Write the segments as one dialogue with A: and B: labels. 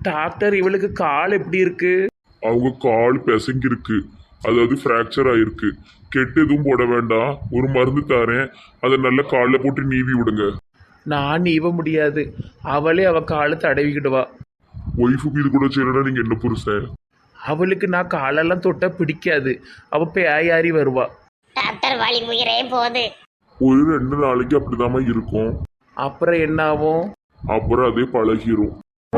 A: Doctor இவளுக்கு கால் எப்படி இருக்கு?
B: அவங்க கால் பிசங்கி இருக்கு, அதாவது ஃப்ராக்சர் ஆயிருக்கு. கெட்டு எதுவும் போட வேண்டாம், ஒரு மருந்து தரேன், அதை நல்ல காலில் போட்டு நீவி விடுங்க.
A: நான் நீவ முடியாது, அவளே அவ காலை தடவிக்கிடுவா.
B: ஒய்ஃபுக்கு இது கூட செய்யணும்னா நீங்க என்ன புருஷன்?
A: அவளுக்கு நான் காலெல்லாம் தொட்டா பிடிக்காது, அவ பேயாரி வருவா.
C: டாக்டர் வலி உயிரே போகுது.
B: ஒரு 2 நாளைக்கு அப்படிதாம்மா இருக்கும்,
A: அப்புறம் என்ன ஆகும்?
B: அப்புறம் அதே பழகிரும்.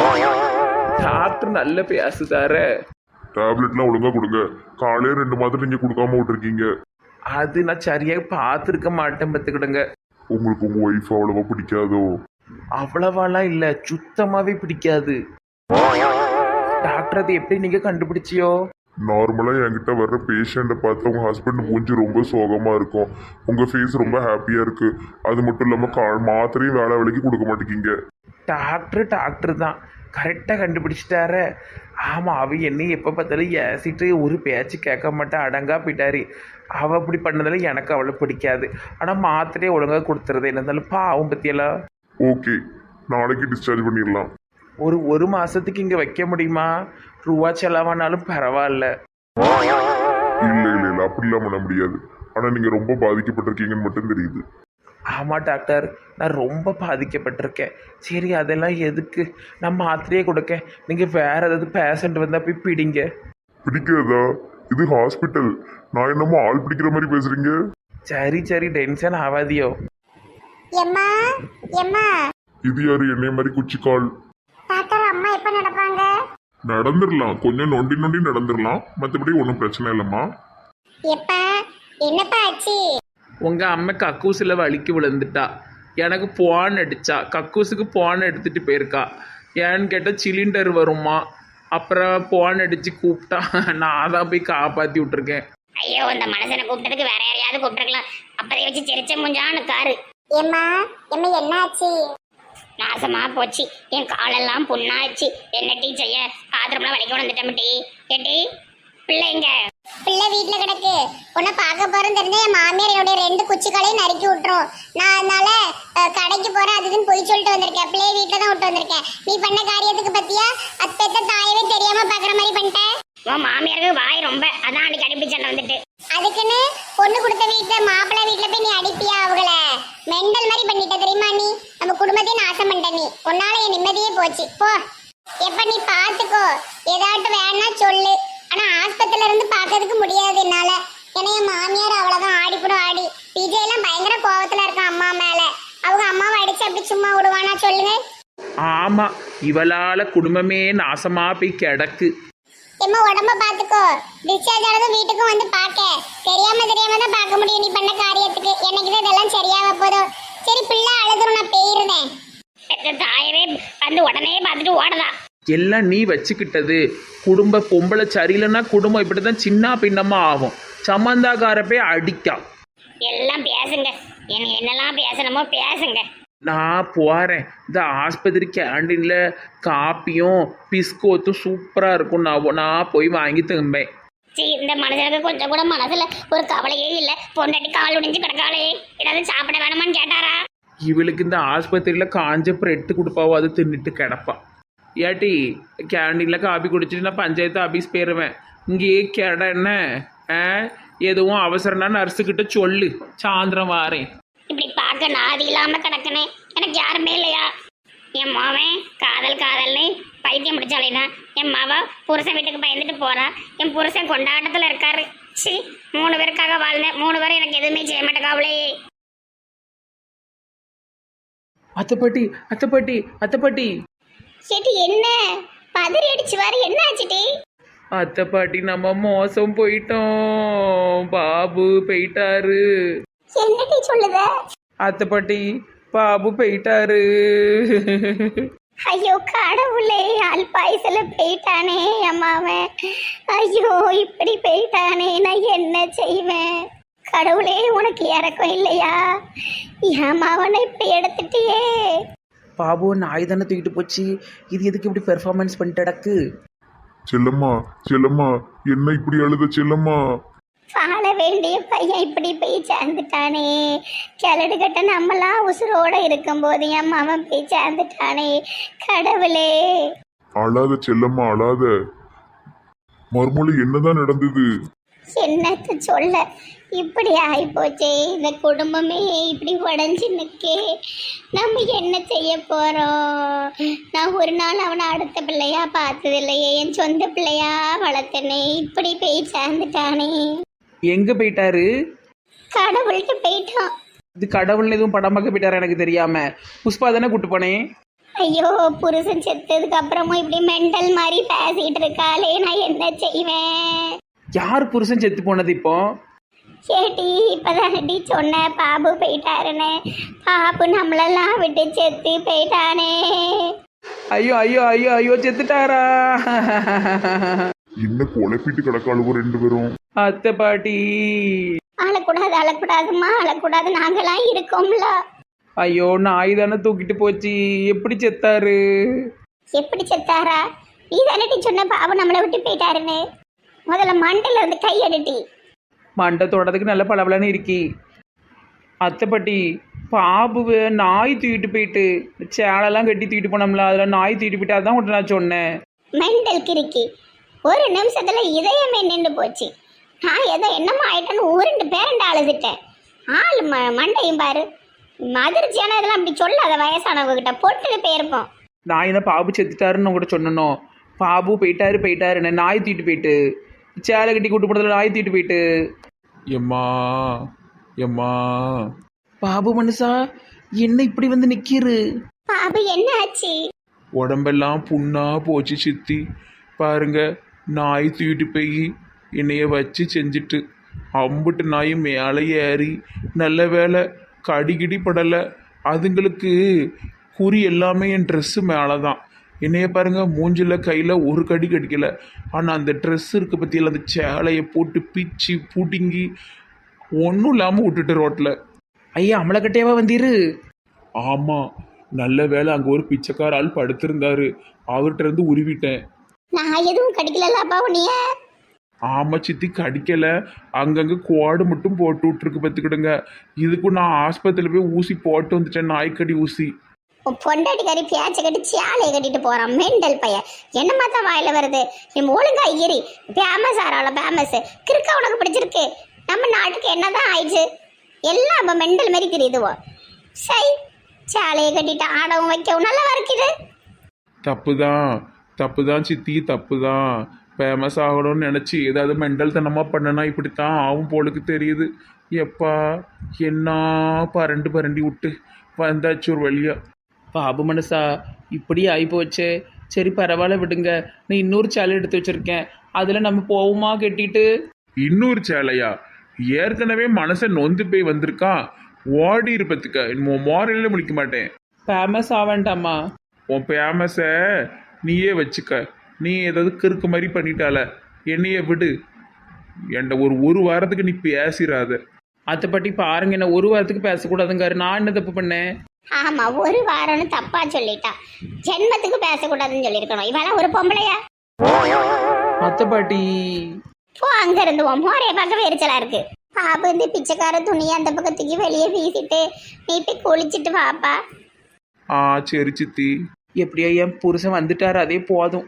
A: டாக்டர் நல்ல பேசுதார.
B: டேப்லெட்லாம் ஒழுங்கா கொடுங்க. காலையே 2 மாதம் நீங்க கொடுக்காம விட்டுருக்கீங்க.
A: அது நான் சரியாக பார்த்துருக்க மாட்டேன் பார்த்துக்கிடுங்க.
B: உங்களுக்கு உங்க ஒய்ஃப் அவ்வளவா பிடிக்காதோ?
A: அவ்வளவாலாம் இல்லை, சுத்தமாகவே பிடிக்காது. டாக்டர் அது எப்படி நீங்கள் கண்டுபிடிச்சியோ?
B: நார்மலா என்கிட்ட வர்ற பேஷண்ட்டை பார்த்து உங்க ஹஸ்பண்ட் மூஞ்சி ரொம்ப சோகமா இருக்கும், உங்க ஃபேஸ் ரொம்ப ஹாப்பியா இருக்கு. அது மட்டும் இல்லாம மாத்திரையும் வேலை வேலைக்கு கொடுக்க மாட்டேங்கிங்க.
A: டாக்டர் தான் கரெக்டாக கண்டுபிடிச்சிட்டார. ஆமாம், அவ என்னை எப்போ பார்த்தாலும் ஏசிட்டு ஒரு பேச்சு கேட்க மாட்டேன், அடங்கா போயிட்டாரு. அவள் அப்படி பண்ணதில் எனக்கு அவளை பிடிக்காது. ஆனால் மாத்திரையே ஒழுங்காக கொடுத்துறது, என்ன இருந்தாலும் பாவம் பற்றியெல்லாம்.
B: ஓகே, நாளைக்கு டிஸ்சார்ஜ் பண்ணிடலாம்.
A: ஒரு மாதத்துக்கு இங்கே வைக்க முடியுமா? ரூபா செலவானாலும் பரவாயில்ல.
B: இல்ல இல்ல இல்ல, அப்படிலாம் பண்ண முடியாது. ஆனா நீங்க ரொம்ப பாதிக்கப்பட்டிருக்கீங்கன்னு மட்டும் தெரியுது.
A: ஆமாம் டாக்டர், நான் ரொம்ப பாதிக்கப்பட்டிருக்கேன். சரி, அதெல்லாம் எதுக்கு, நான் மாத்திரையே கொடுக்க. நீங்கள் வேறு ஏதாவது பேஷண்ட் வந்தால் போய் பிடிங்க.
B: பிடிக்கிறதா? இது ஹாஸ்பிட்டல், நான் என்னமோ ஆள் பிடிக்கிற மாதிரி பேசுறீங்க.
A: சரி, டென்ஷன் ஆகாதியோ.
C: எம்மா எம்மா,
B: இது யாரு என்னைய மாதிரி குச்சிக்கால்?
C: டாக்டர் அம்மா எப்ப நடப்பாங்க?
B: நடந்துடலாம், கொஞ்சம் நொண்டி நொண்டி நடந்துடலாம், மற்றபடி ஒன்றும் பிரச்சனை இல்லைம்மா.
C: எப்ப என்னப்பா ஆச்சு?
A: உங்கள் அம்மா கக்கூசில் வலிக்கு விழுந்துட்டா. எனக்கு போன் அடித்தா, கக்கூசுக்கு போன் எடுத்துகிட்டு போயிருக்கா. ஏன்னு கேட்டால் சிலிண்டர் வருமா, அப்புறம் போன் அடித்து கூப்பிட்டா. நான் தான் போய் காப்பாற்றி விட்ருக்கேன்.
C: ஐயோ, இந்த மனுஷனை கூப்பிட்டதுக்கு வேற யாரையாவது கூப்பிட்டுருக்கலாம். அப்பதை வச்சு சிரிச்ச முஞ்சான்னு காரு. எம்மா எம்மா, என்ன ஆச்சு? நாசமா போச்சு, என் காலெல்லாம் புண்ணாச்சு. என்ன டீ செய்ய? பாத்திரம்லாம் வலிக்க வந்துட்டேன் டீ. ஏட்டி பிள்ளைங்க? பிள்ளை வீட்டுல கிடக்கு. உன்னை பார்க்க போறேன்னு தெரிஞ்சா என் மாமியார் என்னுடைய 2 குச்சிகளையும் நறுக்கி விட்டுரும். நான் அதனால கடைக்கு போறேன் அதுன்னு போய் சொல்லிட்டு வந்திருக்கேன். பிள்ளைய வீட்டுல தான் விட்டு வந்திருக்கேன். நீ பண்ண காரியத்துக்கு பத்தியா அத்தை தாயவே தெரியாம பாக்குற மாதிரி பண்ணிட்டேன். உன் மாமியாருக்கு வாய் ரொம்ப, அதான் அன்னைக்கு அடிப்பி சண்டை வந்துட்டு. அதுக்குன்னு பொண்ணு கொடுத்த வீட்டுல மாப்பிள்ளை வீட்டுல போய் நீ அடிப்பியா? அவங்கள மெண்டல் மாதிரி பண்ணிட்ட தெரியுமா? நீ நம்ம குடும்பத்தையும் நாசம் பண்ணிட்ட. நீ உன்னால என் நிம்மதியே போச்சு. போ, எப்ப நீ பாத்துக்கோ, ஏதாட்டும் வேணா சொல்லு. ஆனா ஆஸ்பத்திரியில இருந்து பாக்கிறதுக்கு முடியாது என்னால. ஏன்னா என் மாமியார் அவ்வளவுதான் ஆடிப்படும் ஆடி. விஜய் எல்லாம் பயங்கர கோவத்துல இருக்கான் அம்மா மேல. அவங்க அம்மாவை அடிச்சு அப்படி சும்மா விடுவானா சொல்லுங்க?
A: ஆமாம், இவளால் குடும்பமே நாசமாக போய் கிடக்கு.
C: எம்மா உடம்ப பாத்துக்கோ. டிஸ்சார்ஜ் ஆனதும் வீட்டுக்கும் வந்து பாக்க. தெரியாம தான் பார்க்க முடியும் நீ பண்ண காரியத்துக்கு. என்னைக்குதான் இதெல்லாம் சரியாக போதும். சரி, பிள்ளை அழுதுரும், நான் போயிருந்தேன். தாயவே வந்து உடனே பார்த்துட்டு ஓடலாம்.
A: எல்லாம் நீ வச்சுக்கிட்டது. குடும்ப பொம்பளை சரியில்லைன்னா குடும்பம் இப்படி தான் சின்ன பின்னமாக ஆகும். சம்மந்தாக்கார போய் அடிக்கா.
C: எல்லாம் பேசுங்க, என்னெல்லாம் பேசணுமோ பேசுங்க.
A: நான் போகிறேன். இந்த ஆஸ்பத்திரி கேண்டீனில் காப்பியும் பிஸ்கோத்தும் சூப்பராக இருக்கும். நான் போய் வாங்கி திரும்பேன்.
C: இந்த மனுஷனுக்கு கொஞ்சம் கூட மனசுல ஒரு கவலையே இல்லை. பொண்டாட்டி கால் உடைஞ்சு கிடக்காளே, ஏதாவது சாப்பிட வேணுமான்னு கேட்டாரா?
A: இவளுக்கு இந்த ஆஸ்பத்திரியில் காஞ்ச பிரெட்டு கொடுப்பாவோ, அதை தின்னுட்டு கிடப்பா. ஏட்டி, கேண்டீனில் காப்பி குடிச்சிட்டு நான் பஞ்சாயத்து ஆஃபீஸ் போயிடுவேன். இங்கேயே கேட என்ன? எதுவும் அவசரம்னா நர்ஸுக்கிட்ட சொல்லு, சாயந்தரம் வாரேன்.
C: இப்படி பார்க்க நாதி இல்லாம கிடக்குனே, எனக்கு யாருமே இல்லையா? என் மாவன் காதல்னு பைத்தியம் முடிச்சாலேதான். என் மாவ புருஷன் வீட்டுக்கு பயந்துட்டு போறா. என் புருஷன் கொண்டாட்டத்துல இருக்காரு. சி, 3 பேருக்காக வாழ்ந்தேன். 3 பேரும் எனக்கு எதுவுமே செய்ய மாட்டேங்காவளே.
A: அத்தைப்பாட்டி.
C: சேட்டி, என்ன பதறி அடிச்சு வாரு? என்ன ஆச்சுட்டி?
A: அத்தைப்பாட்டி, நம்ம மோசம் போயிட்டோம். பாபு போயிட்டாரு.
C: என்னடி சொல்லுத?
A: அத்தைப்பாட்டி, பாபு போயிட்டாரு.
C: ஐயோ கடவுளே, அல்பாயுசுல போயிட்டானே அம்மாவன். ஐயோ, இப்படி போயிட்டானே, நான் என்ன செய்வேன்? கடவுளே, உனக்கு இறக்கம் இல்லையா? ஏமாவனை இப்படி எடுத்துட்டியே.
A: பாபு நாய் தானே தூக்கிட்டு போச்சு. இது எதுக்கு இப்படி பெர்ஃபார்மன்ஸ் பண்ணிட்டு கிடக்கு?
B: செல்லம்மா, என்ன இப்படி அழுத செல்லம்மா?
C: வாழ வேண்டிய பையன் இப்படி போய் சேர்ந்துட்டானே. கிளடு கட்ட நம்மளாம் உசுரோட இருக்கும்போது என் மாமன் போய் சேர்ந்துட்டானே. கடவுளே.
B: அழாத செல்லம்மா அழாத. மறுமொழி என்னதான் நடந்தது?
C: என்னத்த சொல்ல, இப்படி ஆயிப்போச்சே, இந்த குடும்பமே இப்படி உடஞ்சி நிற்கே. நம்ம என்ன செய்ய போறோம்? நான் ஒரு நாள் அவனை அடுத்த பிள்ளையா பார்த்தது இல்லையே, என் சொந்த பிள்ளையா வளர்த்தனே, இப்படி போய் சேர்ந்துட்டானே.
A: எங்கே போயிட்டாரு?
C: கடவுள்கிட்ட போயிட்டான்.
A: இது கடவுள்னு எதுவும் படம் பார்க்க போயிட்டாரா எனக்கு தெரியாம. புஷ்பா தானே கூட்டு போனேன்.
C: ஐயோ, புருஷன் செத்ததுக்கு அப்புறமும் இப்படி மெண்டல் மாதிரி பேசிட்டு இருக்காளே, நான் என்ன செய்வேன்?
A: யார் புருஷன் செத்து போனது இப்போ?
C: கேட்டி இப்பதானடி சொன்ன பாபு போயிட்டாருன்னு. பாபு நம்மளெல்லாம் விட்டு செத்து போயிட்டானே.
A: ஐயோ ஐயோ ஐயோ ஐயோ செத்துட்டாரா?
B: என்ன குழப்பிட்டு கிடக்காளுவோ ரெண்டு பேரும்.
A: அத்தை பாட்டி.
C: அழக்கூடாது அழக்கூடாதுமா, அழக்கூடாது, நாங்களாம் இருக்கோம்ல.
A: ஐயோ நாய் தானே தூக்கிட்டு போச்சு. எப்படி செத்தாரு?
C: எப்படி செத்தாரா? நீ தானடி சொன்ன பாபு நம்மளை விட்டு போயிட்டாருன்னு. முதல்ல மண்டல இருந்து கை எடுட்டி.
A: மண்டை தொடறதுக்கு நல்ல பளபளன்னு இருக்கி. அத்தை பாட்டி, பாபுவை நாய் தூக்கிட்டு போயிட்டு சேலெல்லாம் கட்டி தூக்கிட்டு போனோம்ல, அதில் நாய் தூக்கிட்டு போயிட்டு அதான் உன்ட்ட நான் சொன்னேன்.
C: மெண்டல் கிறுக்கி, ஒரு நிமிஷத்துல இதயமே நின்று போச்சு. நான் ஏதோ என்னமோ ஆயிட்டேன்னு உருண்டு பேரண்டு அழுதுட்டேன். ஆள் மண்டையும் பாரு. அதிர்ச்சியான இதெல்லாம் அப்படி சொல்லாத, வயசானவங்க கிட்ட பொட்டுன்னு போயிருப்போம்.
A: நான் என்ன பாபு செத்துட்டாருன்னு உங்கள்கிட்ட சொன்னனோ? பாபு போயிட்டாருன்னு நாய் தூக்கிட்டு போயிட்டு சேலை கட்டி கூட்டு போனதில் நாய் தூக்கிட்டு போயிட்டு. எம்மா எம்மா. பாபு மனுஷா, என்ன இப்படி வந்து நிற்கிறு?
C: பாபு என்ன ஆச்சு?
A: உடம்பெல்லாம் புண்ணா போச்சு சித்தி. பாருங்க, நாய் தூக்கிட்டு போய் என்னைய வச்சு செஞ்சுட்டு அம்புட்டு நாயும் மேலே ஏறி. நல்ல வேலை கடிகிடி படலை. அதுங்களுக்கு குறி எல்லாமே என் ட்ரெஸ்ஸு மேலே தான். என்னைய பாருங்க, மூஞ்சில் கையில் ஒரு கடி கடிக்கலை. ஆனால் அந்த ட்ரெஸ் இருக்க பற்றியில் அந்த சேலையை போட்டு பிச்சு பூட்டிங்கி ஒன்றும் இல்லாமல் விட்டுட்டு ரோட்டில். ஐயா அமலக்கட்டையாவா வந்தீரு? ஆமாம், நல்ல வேலை அங்கே ஒரு பிச்சைக்கார ஆள் படுத்திருந்தாரு, அவர்கிட்ட இருந்து உருவிட்டேன்.
C: நான் எதுவும் கடிக்கலப்பா உன்னைய?
A: ஆமாம் சித்தி, கடிக்கலை. அங்கங்கே குவாடு மட்டும் போட்டு விட்ருக்கு பார்த்துக்கிடுங்க. இதுக்கும் நான் ஆஸ்பத்திரியில் போய் ஊசி போட்டு வந்துட்டேன், நாய்க்கடி ஊசி.
C: பொண்டாட்டி கறி பேச்ச கட்டி சேலையை கட்டிட்டு போறான் மெண்டல் பையன். என்னமா தான் வாயில வருது? நீ ஒழுங்கா ஏறி ஃபேமஸ் ஆறாள ஃபேமஸ். கிறுக்கா உனக்கு பிடிச்சிருக்கு? நம்ம நாட்டுக்கு என்னதான் ஆயிடுச்சு? எல்லாம் இப்போ மெண்டல் மாதிரி தெரியுதுவோ. சை, சேலையை கட்டிட்டு ஆடவும் வைக்கவும் நல்லா இருக்குது.
A: தப்பு தான் சித்தி, தப்பு தான். ஃபேமஸ் ஆகணும்னு நினச்சி ஏதாவது மெண்டல் தனமாக பண்ணனா இப்படித்தான் ஆகும் போலுக்கு தெரியுது. எப்பா என்ன பரண்டி விட்டு வந்தாச்சு ஒரு வழியா. பாபு மனசா, இப்படி ஆகிப்போச்சே. சரி பரவாயில்ல விடுங்க, நான் இன்னொரு சேலை எடுத்து வச்சுருக்கேன், அதில் நம்ம போவோமா கட்டிட்டு? இன்னொரு சேலையா? ஏற்கனவே மனசை நொந்து போய் வந்திருக்கான். ஓடி இருப்பதுக்க மோரலில் முடிக்க மாட்டேன். ஃபேமஸ் ஆவேண்டாமா? உன் ஃபேமஸை நீயே வச்சுக்க. நீ ஏதாவது கிறுக்கு மாதிரி பண்ணிட்டால, என்னைய விடு. என்கிட்ட ஒரு வாரத்துக்கு நீ பேசிடாத. அதை பற்றி பாருங்க, என்ன ஒரு வாரத்துக்கு பேசக்கூடாதுங்காரு. நான் என்ன தப்பு பண்ணேன்?
C: ஆமா, ஒரு வாரம்னு தப்பா சொல்லிட்டா. ஜென்மத்துக்கு பேசக்கூடாதுன்னு சொல்லியிருக்கணும். இவெல்லாம் ஒரு பொம்பளையா?
A: அத்தை பாட்டி
C: போ, அங்க இருந்து மோரைய பார்க்கவே எரிச்சலா இருக்கு. பாபு இந்த பிச்சைக்கார துணியை அந்த பக்கத்துக்கு வெளியே வீசிட்டு நீ போய் குளிச்சுட்டு வாப்பா.
A: சரி சித்தி. எப்படியா என் புருஷன் வந்துட்டார், அதே போதும்.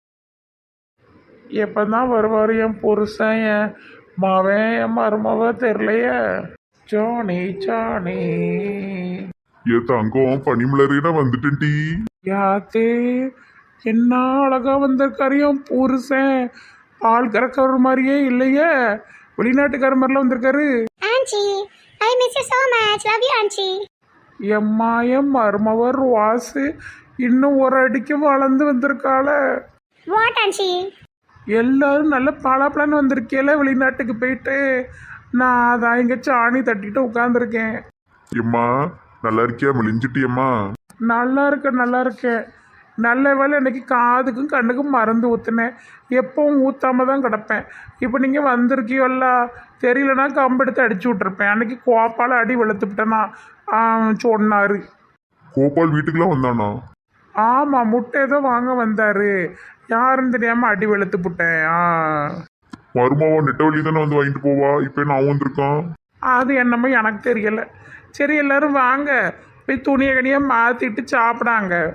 A: எப்பதான் வருவார் என் புருஷன்? என் மவன் என் மருமவ தெரியலையே. Johnny Johnny.
B: ஏ தங்கம், பனிமலரேனா வந்துட்டேன் டி.
A: யாத்து என்ன அழகா வந்திருக்காரு என் புருஷன். ஆள் கறக்கிற மாதிரியே இல்லையே, வெளிநாட்டுக்கார மாதிரிலாம் வந்திருக்காரு.
C: Aunty, I miss you so much. Love you aunty.
A: எம்மா என் மருமவர் வாசு இன்னும் ஒரு அடிக்கு வளர்ந்து வந்திருக்காள.
C: வாட் ஆன்ச்சி?
A: எல்லாரும் நல்ல பலாப்பழன்னு வந்திருக்கேல வெளிநாட்டுக்கு போயிட்டு. நான் அதான் இங்கே சாணி தட்டிட்டு உட்காந்துருக்கேன்.
B: எம்மா நல்லா இருக்கியா? மெலிஞ்சிட்டியம்மா?
A: நல்லா இருக்கேன். நல்ல வேலை இன்னைக்கு காதுக்கும் கண்ணுக்கும் மருந்து ஊற்றுனேன். எப்பவும் ஊற்றாம தான் கிடப்பேன். இப்போ நீங்கள் வந்திருக்கியோல்ல, தெரியலனா கம்பெடுத்து அடிச்சு விட்ருப்பேன். அன்னைக்கு கோப்பால் அடி வெளுத்துப்பிட்டேனா சொன்னார்.
B: கோபால் வீட்டுக்குலாம் வந்தானா?
A: ஆமாம், முட்டை ஏதோ வாங்க வந்தார். யாருன்னு தெரியாமல் அடி வெளுத்து விட்டேன்.
B: மருமாவா நெட்டவழி தானே வந்து வாங்கிட்டு போவா, இப்போ நான் வந்திருக்கான்.
A: அது என்னமோ எனக்கு தெரியலை. சரி எல்லாரும் வாங்க, போய் துணியை கனியாக மாற்றிட்டு சாப்பிடாங்க.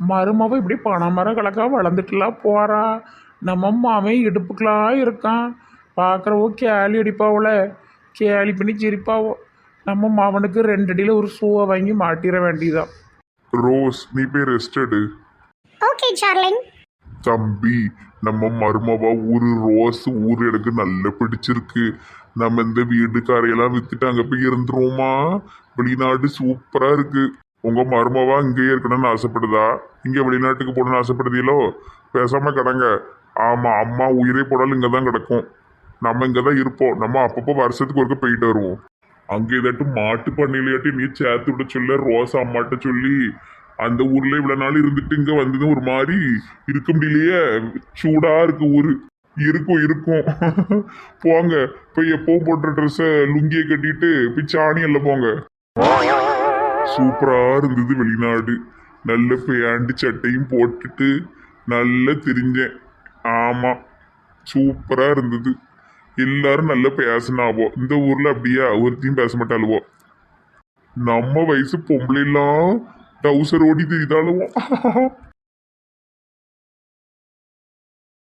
A: மருமவ இப்படி பணமரம் கலக்கா வளர்ந்துட்டுலாம் போறா. நம்ம மாமே இடுப்புக்கெல்லாம் இருக்கான். பார்க்குறவோ கேலி அடிப்பாவோல, கேலி பண்ணி சிரிப்பாவோ. நம்ம மாவனுக்கு 2 அடியில் ஒரு ஷூவை வாங்கி மாட்டிட வேண்டியதான்.
B: ரோஸ் நீ போய் ரெஸ்ட் எடு.
C: Okay darling.
B: தம்பி நம்ம மருமவா ஊரு ரோஸ் ஊர் எனக்கு நல்லா பிடிச்சிருக்கு. நம்ம இந்த வீடுக்காரையெல்லாம் வித்துட்டு அங்கே போய் இருந்துருவோமா? வெளிநாடு சூப்பரா இருக்கு. உங்க மருமவா இங்கேயே இருக்கணும்னு ஆசைப்படுதா? இங்க வெளிநாட்டுக்கு போகணும்னு ஆசைப்படுதீங்களோ? பேசாம கிடங்க. ஆமா அம்மா உயிரே போனாலும் இங்க தான் கிடக்கும். நம்ம இங்க தான் இருப்போம். நம்ம அப்பப்போ வருஷத்துக்கு ஒருக்க போயிட்டு வருவோம். அங்கே ஏதாட்டும் மாட்டு பண்ணையிலையாட்டி நீ சேர்த்து விட சொல்ல ரோஸ் அம்மாட்ட சொல்லி அந்த ஊர்ல இவ்வளவு நாள் இருந்துட்டு இங்க வந்தது ஒரு மாதிரி இருக்க முடியலையே. சூடா இருக்கு ஊரு. இருக்கும் இருக்கும். போங்க போய் எப்பவும் போடுற ட்ரெஸ்ஸை லுங்கியை கட்டிட்டு போய் சாணி எல்லாம் போங்க. சூப்பரா இருந்தது வெளிநாடு. நல்ல பேண்ட் சட்டையும் போட்டுட்டு நல்லா திரிஞ்சேன். ஆமா சூப்பரா இருந்தது. எல்லாரும் நல்லா பேசினாவோ. இந்த ஊர்ல அப்படியே ஒருத்தையும் பேச மாட்டாளுவோ. நம்ம வயசு பொம்பளை எல்லாம் டவுசர் ஓடி தெரியுதாளுவோம்.